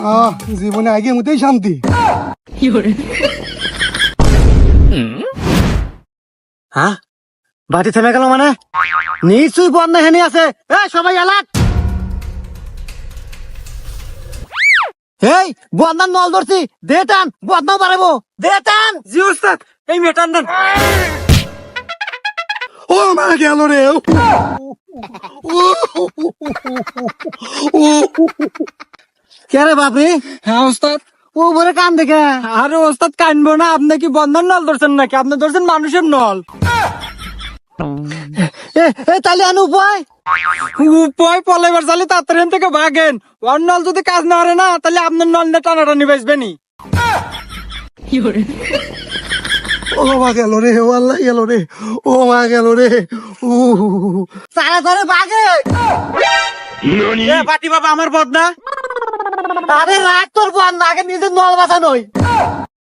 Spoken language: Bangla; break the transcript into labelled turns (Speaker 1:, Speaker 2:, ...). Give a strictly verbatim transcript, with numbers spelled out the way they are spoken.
Speaker 1: আহ জীবনে আগে মতেই শান্তি।
Speaker 2: হ্যাঁ, বাটি থেমে গেল মানে নিশ্চয়ই বন্যা হেনে আছে। এ সবাই এলাক, এই বন্যার নল ধরছি, দে টান, বদনাও বাড়াবো, দে টান। জি ওস্তাদ, এই মেটান দেন।
Speaker 1: ও মা গেল রে।
Speaker 2: কে রে বাপরে?
Speaker 3: হ্যাঁ ওস্তাদ।
Speaker 2: ও বলে কান দেখে।
Speaker 3: আরে ওস্তাদ কানবো না, আপনি কি বন্ধার নল ধরছেন নাকি? আপনি ধরছেন মানুষের নল।
Speaker 2: এ এ তাহলে আনু উপায়
Speaker 3: উপায় পলাইবার চালি তাড়াতাড়ি এখান থেকে ভাগেন। ওর নল যদি কাজ না করে না, তাহলে আপনার নল নিয়ে টানাটানি বেচবেনি।
Speaker 1: ও মা গেল রে, ও আল্লাহ গেল রে, ও মা গেল রে। ও
Speaker 2: সারা ধরে বাগে।
Speaker 3: এ পাটি বাবা আমার বদনা।
Speaker 2: আরে রাখ তোর বন্যা, আগে নিজের নল বাঁচানোই।